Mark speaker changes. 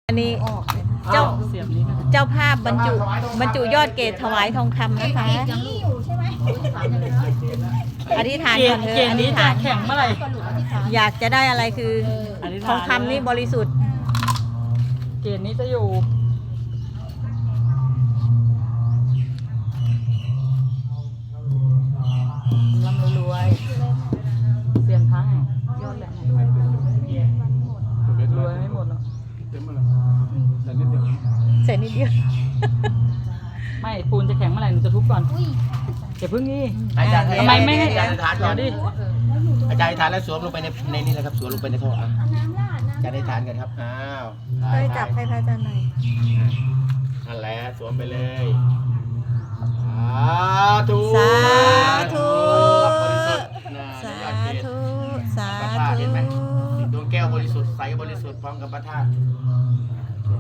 Speaker 1: อันนี้เจ้าเจ้าภาพบรรจุยอดเกศถวายทองคำนะคะอธิษฐานก่อนเถอะอธิษฐาน
Speaker 2: แข่งเมื่อไหร่
Speaker 1: อยากจะได้อะไรคือทองคำนี่บริสุทธิ์
Speaker 2: เกณฑ์นี้จะอยู่ร่ำรวยเสียนทั้งยอดแหลมรวยไม่หมดหรอก
Speaker 1: เสร็จนิดเดียว
Speaker 2: ไม่ปูนจะแข็งเมื่อไหร่หนูจะทุบก่อนอย่าพึ่งนี่
Speaker 3: อาจารย์
Speaker 2: ทำไมไม่ให้
Speaker 3: อาจารย์ฐานก่อน
Speaker 2: เดี๋ยวดิ
Speaker 3: อาจารย์ฐานแล้วสวมลงไปในนี่แหละครับสวมลงไปในท่ออ่ะอาจารย์ฐานกันครับอ้าว
Speaker 1: ช่วยจับให้พระอาจารย์หน่อย
Speaker 3: นั่นแหละสวมไปเลยสาธุ
Speaker 1: สาธุ
Speaker 3: บริสุทธิ์นะ
Speaker 1: สาย
Speaker 3: อดเกศ
Speaker 1: ธุสา
Speaker 3: พระธาตุ
Speaker 1: ธุ
Speaker 3: เห็นไหมดวงแก้วบริสุทธิ์ใสบริสุทธิ์พร้อมกับพระธาตุดวง